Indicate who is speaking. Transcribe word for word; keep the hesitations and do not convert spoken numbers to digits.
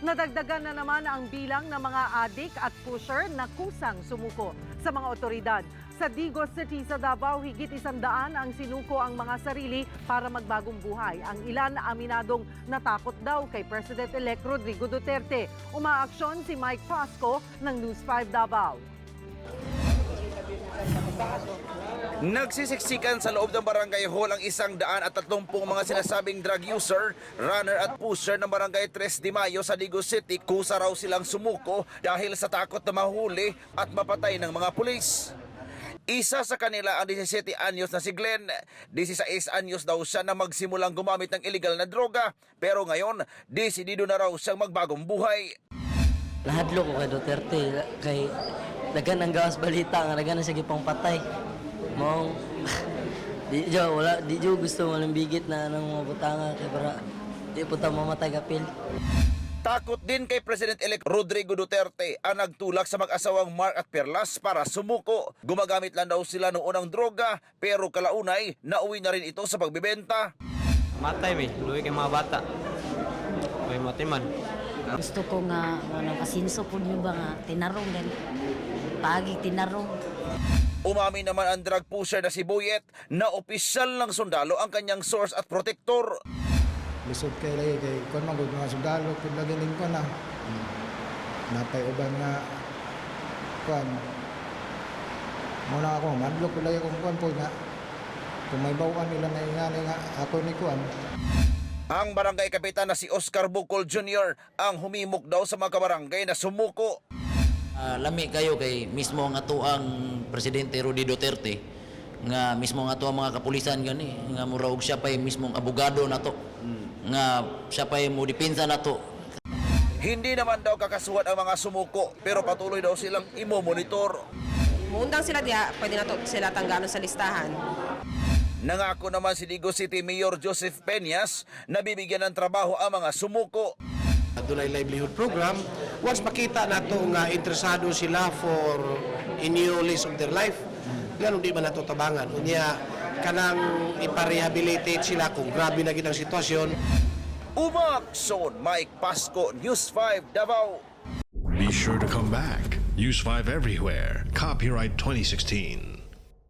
Speaker 1: Nadagdagan na naman ang bilang ng mga adik at pusher na kusang sumuko sa mga otoridad. Sa Digos City sa Davao, higit isang daan ang sinuko ang mga sarili para magbagong buhay. Ang ilan aminadong natakot daw kay President-elect Rodrigo Duterte. Umaaksyon si Mike Pasco ng News five Davao.
Speaker 2: Nagsisiksikan sa loob ng barangay hall ang isang daan at tatlumpung mga sinasabing drug user, runner at pusher ng barangay Tres de Mayo sa Digos City. Kusa raw silang sumuko dahil sa takot na mahuli at mapatay ng mga pulis. Isa sa kanila ang disisiete anyos na si Glenn. disisiete anyos daw siya na magsimulang gumamit ng illegal na droga, pero ngayon, desidido na raw siyang magbagong buhay.
Speaker 3: Nahadlo ko kay Duterte, kay dagan ang gawas balita nga dagan na siya gipang patay. Mong di jo wala di jo gusto malambigit na nang mga butanga kay para di po ta mamatay kapil.
Speaker 2: Takot din kay President-elect Rodrigo Duterte ang nagtulak sa mag-asawang Mark at Perlas para sumuko. Gumagamit lang daw sila noon ng droga, pero kalaunay nauwi na rin ito sa pagbibenta.
Speaker 4: Matay mi, luwi kay mga bata. May matiman.
Speaker 5: Gusto ko nga, ano, kasinso po niyo ba nga, tinarong din. Pagi tinarong.
Speaker 2: Umami naman ang drug pusher na si Buyet na opisyal ng sundalo ang kanyang source at protector.
Speaker 6: Lisod kay lagi kay kon magud mga sundalo pud lagi ning kon na. Napay uban nga kon. Muna ako madlok pud lagi kong kon pud nga. Kung may bawaan nila na ingani nga ako ni kon.
Speaker 2: Ang barangay kapitan na si Oscar Bucol Junior ang humimok daw sa mga kabarangay na sumuko.
Speaker 7: Uh, lami kayo kay mismo nga to ang Presidente Rodrigo Duterte nga mismo nga to ang mga kapulisan gani nga muraog siya pa mismong abogado na to nga siya pa mo depensa na to.
Speaker 2: Hindi naman daw kakasuhan ang mga sumuko pero patuloy daw silang imo-monitor.
Speaker 8: Muundang sila diya, pwede na to sila tanggalon sa listahan.
Speaker 2: Nangako naman si Digos City Mayor Joseph Peñas na bibigyan ng trabaho ang mga sumuko.
Speaker 9: Dunay livelihood program, once makita nato nga interesado sila for a new lease of their life, ganun di man nato tabangan. Unya kanang iparehabilitate sila kung grabe na gid ang sitwasyon.
Speaker 2: Umaksyon, Mike Pasco, News five Davao.
Speaker 10: Be sure to come back. Use five everywhere. Copyright twenty sixteen.